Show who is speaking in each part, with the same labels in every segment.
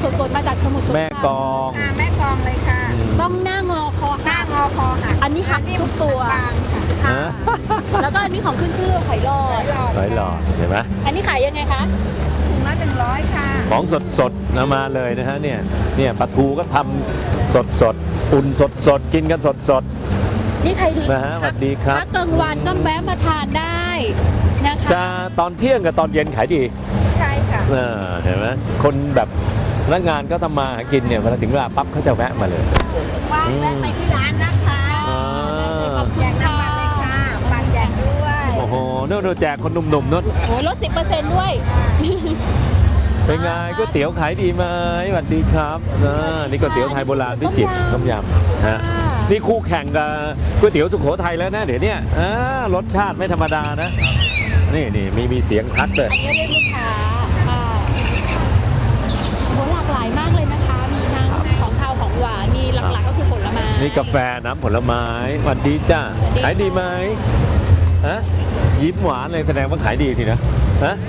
Speaker 1: สดๆมาจากสมุทรสงคราม
Speaker 2: แม่กอง
Speaker 3: แม่กองเลยค่ะ
Speaker 1: ต้องหน้างอคอ
Speaker 3: หน้างอคอค่ะ
Speaker 1: อันนี้หักทุกตัว
Speaker 3: ค่ะ
Speaker 2: ฮะ
Speaker 1: แล้วก็อันนี้ของขึ้นชื่อหอยหลอด
Speaker 2: หอยหลอดเห็นไหม
Speaker 1: อันนี้ขายยังไงคะ
Speaker 3: ถุงละ100ค่ะ
Speaker 2: ของสดๆมาเลยนะฮะเนี่ยปลาทูก็ทำสดๆอุ่นสดๆกินกันสด
Speaker 1: นี่ใครดี
Speaker 2: ๆนะฮะสวัสดีครับ
Speaker 1: ถ้ากลางวันก็แวะมาทานได้นะคะ
Speaker 2: จะตอนเที่ยงกับตอนเย็นขายดี
Speaker 3: ใช่ค่ะ
Speaker 2: เห็นไหมคนแบบพนักงานก็ทำมาหากินเนี่ยเวลาถึงเวลาปั๊บเขาจะแวะมาเลย
Speaker 3: ว่างแวะไปที่ร้านนะคะ
Speaker 1: ขอบคุ
Speaker 3: แจ
Speaker 1: ณ
Speaker 3: ก
Speaker 1: ค่ะ
Speaker 3: น้ำมันเลยค่ะฝากแจกด้วย
Speaker 2: โอ้โหโน่นแจกคนหนุ่มๆนู่น
Speaker 1: โอ้ยลด 10%ด้วย
Speaker 2: เป็นไงก๋วยเตี๋ยวขายดีไหมสวัสดีครับนี่ก๋วยเตี๋ยวไทยโบราณพิจิตรต้มยำฮะนี่คู่แข่งกับก๋วยเตี๋ยวสุโขทัยแล้วนะเดี๋ยวนี้รสชาติไม่ธรรมดานะนี่มีเสียงทักเลย
Speaker 1: อันนี้เรียกลูกค้าโหหลากหลายมากเลยนะคะ มีทั้งของคาวของหวานมีหลักๆก็คือผลไม้
Speaker 2: นี่กาแฟน้ำผลไม้สวัสดีจ้าขายดีไหมฮะยิ้มหวานเลยแสดงว่าขายดีทีนะฮะ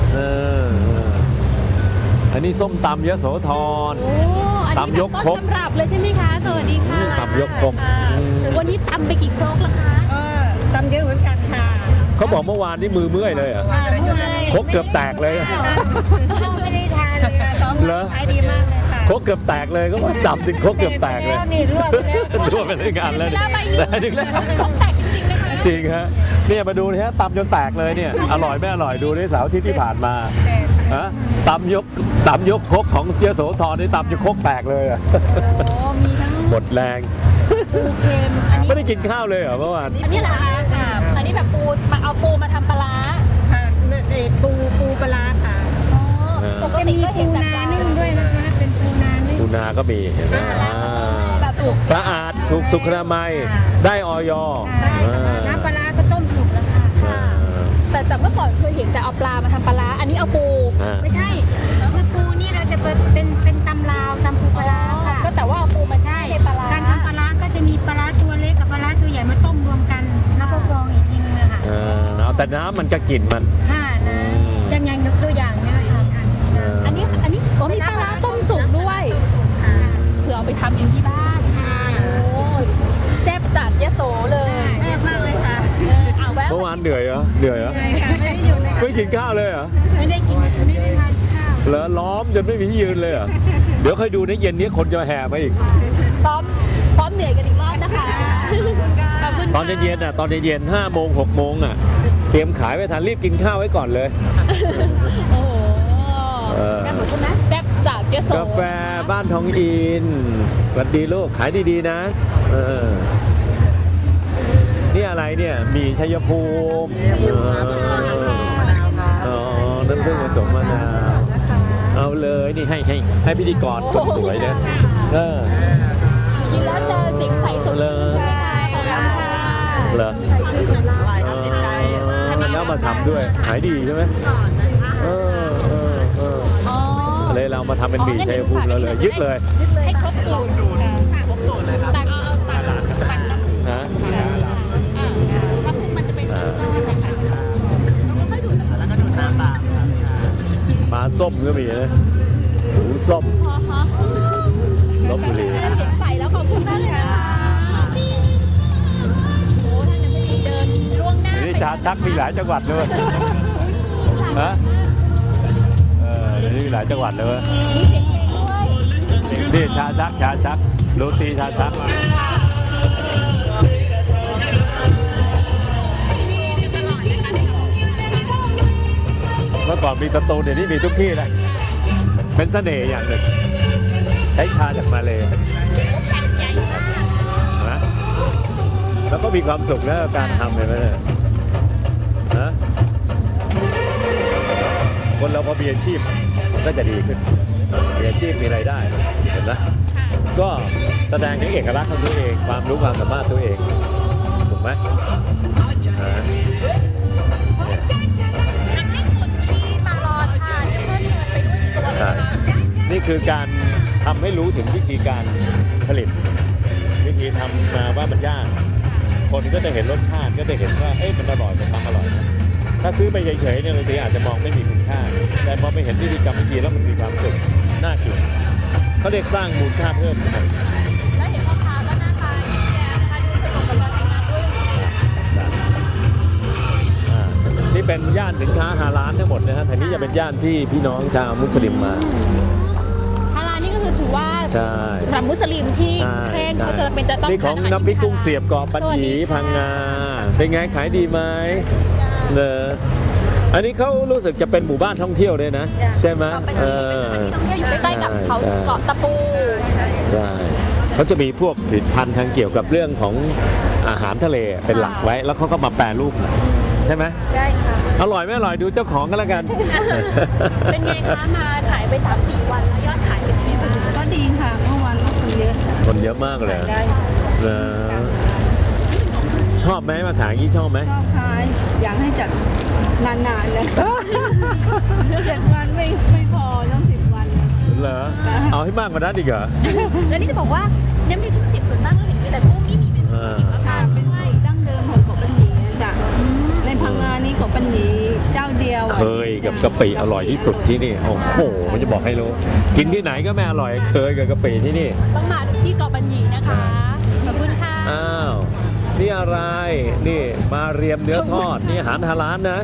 Speaker 2: อันนี้ส้มตำยโสธร
Speaker 1: โอ้อันนี้
Speaker 2: ตำยก
Speaker 1: แบบ
Speaker 2: คร
Speaker 1: ต้
Speaker 2: ก
Speaker 1: นตำรับเลยใช่ไหมคะสวัสดีค่ะ
Speaker 2: ตำยกครก
Speaker 1: วันนี้ตำไปกี่ครกละคะ
Speaker 3: ตำเยอะเหมือนกันค่ะ
Speaker 2: เขาบอกเมื่อวานนี่มือเมื่อยเลยเหรอ่ะ ครกเกือบแตกเลยอะ
Speaker 3: ไม่ได้ทานเลยค่ะสอง
Speaker 2: เหรอ
Speaker 3: ขายดีมากเลยค่ะ
Speaker 2: ครกเกือบแตกเลยก็ว่าตำถึงครกเกือบแตกเลย
Speaker 3: นี่รวบไปแล้ว
Speaker 2: รั่วไปด้วยกันแล้ว
Speaker 1: เวลาใบหนึ่ง
Speaker 2: ได้ถึงแล้ว
Speaker 1: ครกแตกจริงๆนะคะ
Speaker 2: จริงฮะเนี่ยมาดูนะฮะตำจนแตกเลยเนี่ยอร่อยไม่อร่อยดูในเสาร์อาที่ที่ผ่านมาฮะตำยกครกของยโสธรนี่ตำจนครกแตกเลยอะ
Speaker 1: โอ้มีทั้ง
Speaker 2: หมดแรง
Speaker 1: ปูเค็มอันนี้
Speaker 2: ไม่ได้กินข้าวเลยเหรอเมื่อวาน
Speaker 1: อันนี้เหรอคะอันนี้แบบปูมาเอาปูมาทำปลาร้า
Speaker 3: ค่ะปูปลาร้าค่ะ
Speaker 1: ปกติก็เห็นแต่ปลา
Speaker 3: นึ่งด้วยนะคะเป็นปูนานึ่ง
Speaker 2: ปูนาก็มีเห็นไหม
Speaker 1: แบบสุก
Speaker 2: สะอาดถูกสุขอนามัยได้ออย
Speaker 3: น้ำปลาร้าก็ต้มสุกแล้วค่ะ
Speaker 1: ค่ะแต่เมื่อก่อนเคยเห็นแต่เอาปลามาทำปลาร้าอันนี้เอาปู
Speaker 3: ไม่ใช่คือปูนี่เราจะเป็นตำลาวตำปูปลาร้าค่ะ
Speaker 1: ก็แต่ว่าเอาปูมาใช่ปลาร้า
Speaker 3: การทำปลาร้าก็จะมีปลาร้าตัวเล็กกับปลาร้าตัวใหญ่มาต้มรวมกัน แล้วก็กรองอีกทีนึงนะคะ
Speaker 2: เอาแต่น้ำมันจะกลิ่นมัน
Speaker 3: ค่ะนะจังยังยกตัวอย่างเนี่ยค่ะ
Speaker 1: อันนี้โอ้มีปลาร้าต้มสุกด้วยเผื่อเอาไปทำเองที่บ้าน
Speaker 3: ค่ะ
Speaker 1: โอ้แซ่บจัดยโสเลย
Speaker 3: แซ่บมากเลยค่ะ
Speaker 1: เอาแวะ
Speaker 2: เมื่อวานเหนื่อยเหรอเหนื่อยเหรอ
Speaker 3: เลยค่ะไม่ได้หยุดเลยค่ะ
Speaker 2: ไม่กินข้าวเลยเหรอ
Speaker 3: ไม่ได้กินไม่ได้ทานข้าว
Speaker 2: เหรอล้อมจนไม่มีที่ยืนเลยเหรอเดี๋ยวค่อยดูในเย็นนี้คนจะแห่มาอีก
Speaker 1: ซ้อมเหนื่อยกันอีกรอบนะคะขอบคุณ
Speaker 2: ตอนเย็นๆน่ะตอนเย็นๆ5 โมง 6 โมงอ่ะเตรียมขายไว้ทันรีบกินข้าวไว้ก่อนเลย
Speaker 1: โอ้โห
Speaker 2: ขอบ
Speaker 1: คุณนะแซ่บจากยโส
Speaker 2: กาแฟบ้านทองอินสวัสดีลูกขายดีๆนะนี่อะไรเนี่ยมีชัยภูมิน้ำผึ้งผสมมะนาวเอาเลยนี่ให้พิธีกรคนสวยนะ
Speaker 1: กินแล้วจะเสียงใสสดชื่นใช่ไหมคะขอบคุณค่ะ
Speaker 2: เหรอแล้วมาทำด้วยขายดีใช่ไหมเลยเรามาทำเป็นหมี่ชัยภูมิเราเลยยึดเลย
Speaker 1: ให้ครบสูตรครบสูตรเลยค่ะตัก
Speaker 2: ฮะ
Speaker 1: น้ำผึ้งมันจะเป็นก้อนๆนะคะแล้วก็ค่อยดูดน้ำแล้วก็ดูดน้ำตาม
Speaker 2: ปลาส้มก็มีนะหูส้มลบบุรี
Speaker 1: เห็นใส่แล้วขอบคุณมากเลยนะคะโอ้ท่านยังไม่ดีเดินล่วงหน้า
Speaker 2: นี่ชาชักมีหลายจังหวัดเลยฮะเดี๋ยวนี้มีหลายจังหวัดเลย
Speaker 1: มีเสียงเพลงด้วย
Speaker 2: นี่ชาชักโรตีชาชักเมื่อก่อนมีตะตูนเดี๋ยวนี้มีทุกที่เลยเป็นเสน่ห์อย่างหนึ่งใช้ชาจากมาเลยนะแล้วก็มีความสุขนะการทำเลยนะคนเราพอมีอาชีพก็จะดีขึ้นมีอาชีพมีรายได้เห็นไหมก็แสดงถึงเอกลักษณ์ของตัวเองความรู้ความสามารถตัวเองถูกไหมนี่คือการทำให้รู้ถึงวิธีการผลิตวิธีทำมาว่ามันยากคนก็จะเห็นรสชาติก็จะเห็นว่ามันอร่อยมันทำอร่อยนะถ้าซื้อไปเฉยๆเนี่ยบางทีอาจจะมองไม่มีคุณค่าแต่พอไปเห็นวิธีกรรมวิธีแล้วมันมีความสุขน่ากินเขาเรียกสร้างมูลค่าเพิ่ม
Speaker 1: แล้วเห็นพ่อค้าก็หน้าตายิ้มแย้มนะคะดูสนุกกับการทำงานด้วย
Speaker 2: นี่เป็นย่านสินค้าฮาลาลทั้งหมดนะฮะแถวนี้จะเป็นย่านพี่น้องชาวมุสลิมมา
Speaker 1: ฮาลาลนี่ก็คือถือว่า
Speaker 2: ใช่
Speaker 1: สำหรับมุสลิมที่เคร่งเขาจะเป็นจะต้อง
Speaker 2: นี่ของน้ำพริกกุ้งเสียบเกาะปัญญีพังงาเป็นไงขายดีไหมเนอะอันนี้เขารู้สึกจะเป็นหมู่บ้านท่องเที่ยวด้วยนะ ใช่ไหม
Speaker 1: เกาะปัญญีเป็นสถานที่ท่องเที่ยวอยู่ใกล้ๆกับเขาเกาะตะปู
Speaker 2: ใช่เขาจะมีพวกผลิตภัณฑ์ทางเกี่ยวกับเรื่องของอาหารทะเลเป็นหลักไว้ แล้วเขาก็มาแปรรูปใช่ไหม
Speaker 1: ใช่ค่ะ
Speaker 2: อร่อยไม่อร่อยดูเจ้าของกันแล้วกัน
Speaker 1: เป็นไงคะมาขายไป 3-4 วันแล้วยอดขายเป็นยังไงบ้าง
Speaker 4: ก็ดีค่ะเมื่อวานก็คนเยอะค่ะ
Speaker 2: คนเยอะมากเลย
Speaker 4: ได้
Speaker 2: ชอบไหมมาขายอย่างนี้ชอบไหม
Speaker 4: ชอบขายอยากให้จัดนานๆเลย 7 วันไม่พอต้อง10 วัน
Speaker 2: เหรอเอาให้มากกว่านั้นอีกเหรอ
Speaker 1: แล้วนี่จะบอกว่าน้ำพริกกุ้งเสียบส่วนมากเราเห็นมีแต่กุ้งนี่มีเป็นหิมพานต์
Speaker 4: เป็น
Speaker 1: ด้วย
Speaker 4: สูตรดั้งเดิมของเกาะปัญญีนะจ้ะในพังงานี่เกาะปัญญีเจ้าเดียว
Speaker 2: เคยกับกะปิอร่อยที่สุดที่นี่โอ้โหมันจะบอกให้รู้ กินที่ไหนก็ไม่อร่อยเคยกับกะปิที่นี่
Speaker 1: ต้องมาที่เกาะปัญญีนะคะ ขอบคุณค่ะ
Speaker 2: อ้าวนี่อะไรนี่มาเรียมเนื้อทอดนี่อาหารฮาลาลนะ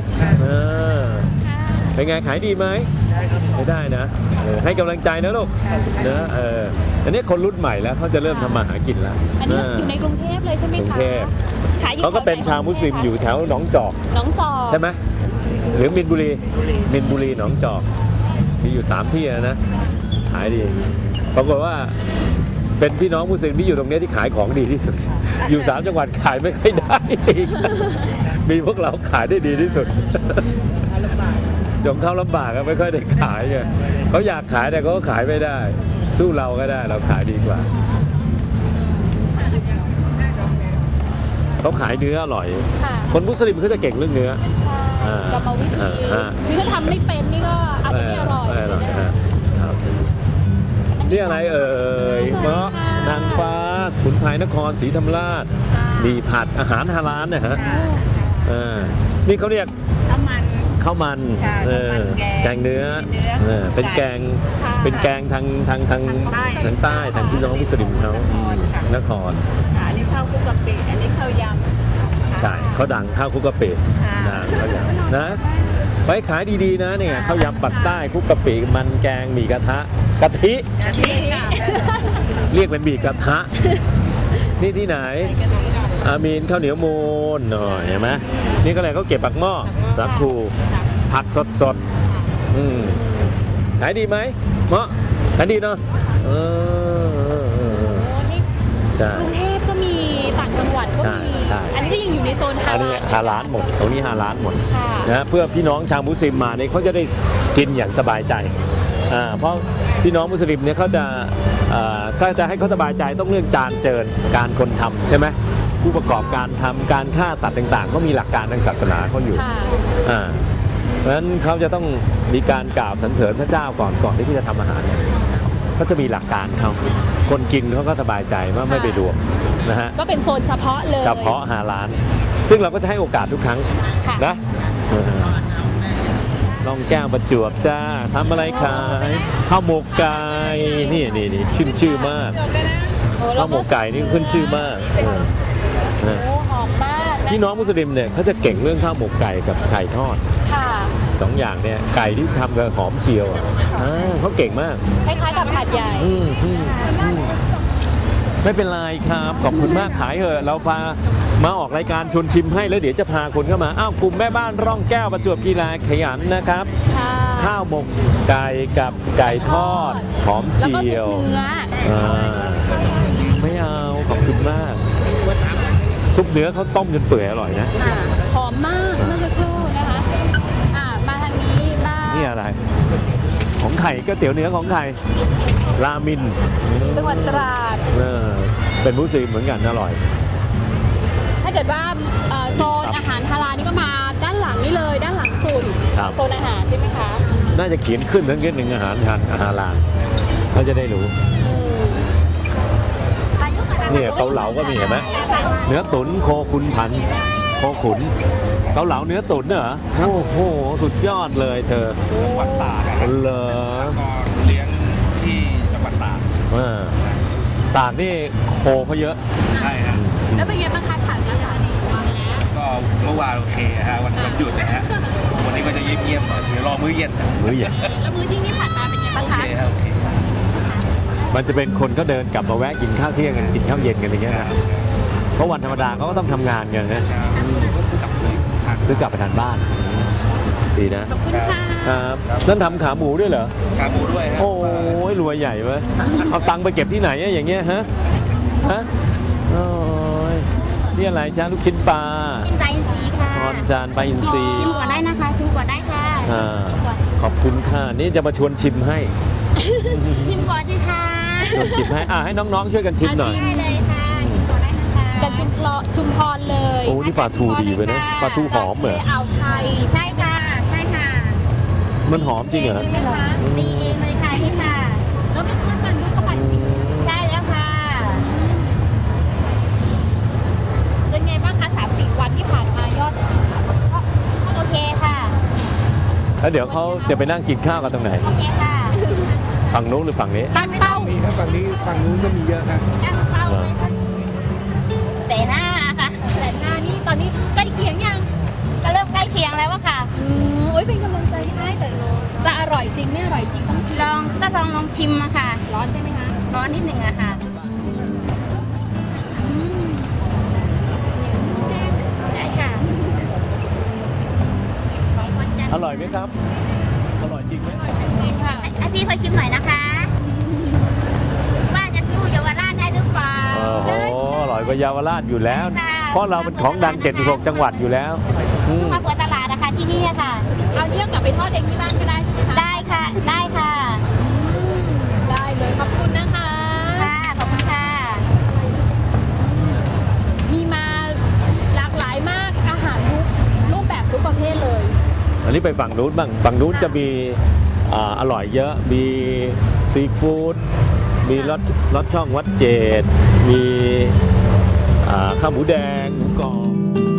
Speaker 2: เป็นไงขายดีไหมไม่ได้นะให้กำลังใจนะลูกนะอันนี้คนรุ่นใหม่แล้วเขาจะเริ่มทำมาหากินแล้ว
Speaker 1: อันนี้อยู่ในกรุงเทพเลยใช่ไหม
Speaker 2: กรุง
Speaker 1: คะ
Speaker 2: เทพ
Speaker 1: ขายอยู่
Speaker 2: เขาก็เป็นชาวมุสลิมอยู่แถวหนองจอก
Speaker 1: น้องจอก
Speaker 2: ใช่ไหมหรือมินบุรีหนองจอกมีอยู่3ที่นะขายดีปรากฏว่าเป็นพี่น้องมุสลิมที่อยู่ตรงนี้ที่ขายของดีที่สุด อยู่3จังหวัดขายไม่ค่อยได้อีกมีพวกเราขายได้ดีที่สุดยงเข้าลำบากก็ไม่ค่อยได้ขายไงเขาอยากขายแต่เขาก็ขายไม่ได้ สู้เราก็ได้เราขายดีกว่าเขาขายเนื้ออร่อย
Speaker 1: ค่ะ
Speaker 2: คนมุสลิมเขาจะเก่งเรื่องเนื้อ
Speaker 1: ใช่กรรมวิธีคือถ้าทำไม่เป็นนี่ก็อาจจะไม่อร่อย
Speaker 2: ไม่อร่อยครับนี่อะไรเอ่ยเมาะนางฟ้าขุนพายนครศรีธรรมราชมีผัดอาหารฮาลาลนะฮะนี่เขาเรียก
Speaker 4: น้ำมัน
Speaker 2: ข้าวมัน
Speaker 4: ค่ะข้าวมันแกง
Speaker 2: แกงเนื้อเป็นแกงทางใต้ทางพี่น้องมุสลิมเขานคร
Speaker 4: อันนี้ข้าวคลุกกะปิอันนี้ข้าวยำ
Speaker 2: ใช่เขาดังข้าวคลุกกะปิ
Speaker 4: ค่ะ
Speaker 2: ดังเขาอย่างนะไปขายดีๆนะเนี่ยข้าวยำปักใต้คลุกกะปิมันแกงหมี่กระทะกะทิ เรียกเป็นหมี่กระทะ นี่ที่ไหน อามีนข้าวเหนียวมูนหน่อยเห็นไหมนี่ก็เลยเขาเก็บปักหม้อสาคูผักสดขายดีไหมเมาะขายดีเนาะใช่
Speaker 1: กรุงเทพก็มีต่างจังหวัดก็มี
Speaker 2: ใช่
Speaker 1: อันนี้ก็ยังอยู่ในโซนฮา
Speaker 2: อันนี้
Speaker 1: ลาล
Speaker 2: ฮาลาลหมดตรงนี้ฮาลาลหมด
Speaker 1: ค่ะ
Speaker 2: นะเพื่อพี่น้องชาวมุสลิมมาเนี่ยเขาจะได้กินอย่างสบายใจเพราะพี่น้องมุสลิมเนี่ยเขาจะถ้าจะให้เขาสบายใจต้องเรื่องจานเจิญการคนทำใช่ไหมผู้ประกอบการทำการฆ่าตัดต่างๆก็มีหลักการทางศาสนาเขาอยู่
Speaker 1: ค่ะ
Speaker 2: เพราะฉะนั้นเขาจะต้องมีการกราบสรรเสริญพระเจ้าก่อนที่เขาจะทำอาหารเนี่ยเขาจะมีหลักการเขาคนกินเขาก็สบายใจว่าไม่ไปดวงนะฮะ
Speaker 1: ก็เป็นโซนเฉพาะเลย
Speaker 2: เฉพาะฮาลาลซึ่งเราก็จะให้โอกาสทุกครั้ง
Speaker 1: ค่ะ
Speaker 2: นะลองแก้วประจวบจ้าทำอะไรขายข้าวหมกไก่นี่ขึ้นชื่อมาก ข้าวหมกไก่นี่ขึ้นชื่อมาก
Speaker 1: โอ้หอมมากนะ
Speaker 2: พี่น้องมุสลิมเนี่ยเขาจะเก่งเรื่องข้าวหมกไก่กับไก่ทอด
Speaker 1: ค่ะ
Speaker 2: 2 อย่างเนี่ยไก่ที่ทำกับหอมเจียวเขาเก่งมาก
Speaker 1: คล้ายๆกับผัดใหญ่
Speaker 2: ไม่เป็นไรครับขอบคุณมากขายเถอะเราพามาออกรายการชวนชิมให้แล้วเดี๋ยวจะพาคนเข้ามาอ้าวกลุ่มแม่บ้านร่องแก้วประจวบกีฬาขยันนะครับ
Speaker 1: ค่ะ
Speaker 2: ข้าวหมกไก่กับไก่ทอดหอม
Speaker 1: แล้วก็
Speaker 2: เจี
Speaker 1: ซุ
Speaker 2: ยว
Speaker 1: ปเนื้อ
Speaker 2: ไม่เอาขอบคุณมากซุปเนื้อเขาต้มจนเปื่อยอร่อยนะ
Speaker 1: หอมมากเมื่อสักครู่นะคะมาทางนี้บ้าง
Speaker 2: นี่อะไร ของไข่ก๋วยเตี๋ยวเนื้อของไข่รามิน
Speaker 1: จังหวัดตราด
Speaker 2: เป็นมุสลิมเหมือนกันอร่อย
Speaker 1: ถ้าเกิดว่าโซนอาหารฮาลาลนี่ก็มาด้านหลังนี่เลยด้านหลังสุด
Speaker 2: ครับ
Speaker 1: โซนอาหารใช่ไหมคะ
Speaker 2: น่าจะเขียนขึ้นทั้งหนึ่งอาหารลานเขาจะได้รู้เนี่ยเกาเหลาก็มีเห็นไหมเนื้อตุ๋นโคขุนพันโคขุนเกาเหลาเนื้อตุ๋นเหรอโอ้โหสุดยอดเลยเธอ
Speaker 5: จังหวัดตาก
Speaker 2: เหรอ
Speaker 5: ก็เลี้ยงที่จังหวัดตาก
Speaker 2: ตากนี่โคเขาเยอะ
Speaker 5: ใช่ครับ
Speaker 1: แล้วเป็นไงบ้างคะผ่านมา3-4 วันแล้ว
Speaker 5: ก็เมื่อวานโอเคฮะวันหยุดนะฮะวันนี้ก็จะเงียบๆหน่อยเดี๋ยวรอมื้อเย็น
Speaker 2: มื้อเย็น
Speaker 1: แล้วมื้อที่นี่ผ่านมาเป็นไงบ้าง
Speaker 5: โอเค
Speaker 1: คะ
Speaker 5: ครับโอเค
Speaker 2: มันจะเป็นคนเขาเดินกลับมาแวะกินข้าวเที่ยงกันกินข้าวเย็นกันอย่างเงี้ยนะเพราะวันธรรมดาเขาก็ต้องทำงานกันนะ
Speaker 5: ก็ซื้อกลับเลยทาน
Speaker 2: ซื้อกลับไปทานบ้านดีนะ
Speaker 1: ขอบคุณค่ะ
Speaker 2: ครับนั่นทำขาหมูด้วยเหรอ
Speaker 5: ขาหมูด้วยฮะ
Speaker 2: โอ้ยรวยใหญ่เว้ยเอาตังค์ไปเก็บที่ไหนอะอย่างเงี้ยฮะโอ้ยนี่อะไรจ้าลูกชิ้นปลา
Speaker 3: กินไตอินทรีย์ค่ะ
Speaker 2: ทอนจานปลาอินทรี
Speaker 3: ชิมก่อนได้นะคะชิมก่อนได้ค่ะ
Speaker 2: ขอบคุณค่ะนี่จะมาชวนชิมให้
Speaker 3: ชิมก่อนดีค่ะ
Speaker 2: ชวนชิมให้ให้น้องๆช่วยกันชิมหน่อย
Speaker 3: ได้เลยค่ะชิมก่อนได้นะคะ
Speaker 1: จากชุมพรเลย
Speaker 2: โอ้นี่ปลาทูดีไปนะปลาทูหอมเหรอ
Speaker 1: อ่าวไทย
Speaker 3: ใช่ค่ะใช่ค่ะ
Speaker 2: มันหอมจริงเหรอ
Speaker 3: ตีเองเลยค่ะพี่ค่ะ
Speaker 1: แล้วมีข้าวมันด้วยก็ปั่นสิ
Speaker 3: ใช่แล้วค่ะ
Speaker 1: เป็นไงบ้างคะ3-4 วันที่ผ่านมายอด
Speaker 3: โอเคค่ะ
Speaker 2: แล้วเดี๋ยวเขาจะไปนั่งกินข้าวกันตรงไหน
Speaker 3: โอเคค่ะ
Speaker 2: ฝั่งนู้นหรือฝั่งนี้
Speaker 1: ตั้งเป้า
Speaker 5: มีครับฝั่งนู้นก็มีเยอะนะ
Speaker 3: ตั้งเป้าเลยค่ะแต่หน้าค่ะ
Speaker 1: แต่หน้านี่ตอนนี้ใกล้เคียงยัง
Speaker 3: ก็เริ่มใกล้เคียงแล้วอะค่ะ
Speaker 1: โอ้ยเป็นกำลังใจให้แต่จะอร่อยจริงไม่อร่อยจริงต้องชิม
Speaker 3: ลองชิมอะค่ะ
Speaker 1: ร้อนใช่ไหมคะ
Speaker 3: ร้อนนิดหนึ่งอะค่ะได้ค่ะของคนจันท
Speaker 2: อ
Speaker 3: ร์
Speaker 2: ร่อยไหมครับ อร่อยจริงไหม
Speaker 1: จริงค่ะ
Speaker 3: ให้พี่เขาชิมหน่อยนะคะว่าจะสู้เยาวราชได้หรือเปล่า
Speaker 2: โอ้โหอร่อยกว่าเยาวราชอยู่แล้ว เพราะเราเป็นของดัง76จังหวัดอยู่แล้วอืม
Speaker 3: มาเปิดตลาดนะคะที่นี่อะค่ะ
Speaker 1: เอาเนี่ยกลับไปทอดเองที่บ้านก็ได้ใช่ไหมคะ
Speaker 3: ได้ค่ะ ได้ค่ะ
Speaker 1: ได้เลยขอบคุณนะคะ
Speaker 3: ค่ะขอบคุณค่ะ
Speaker 1: มีมาหลากหลายมากอาหารทุกรูปแบบทุกประเภทเลย
Speaker 2: อันนี้ไปฝั่งนู้นบ้างฝั่งนู้นจะมีอร่อยเยอะ มีซีฟู้ด มีรสช่องวัดเจด มีข้าวหมูแดงหมูกรอบ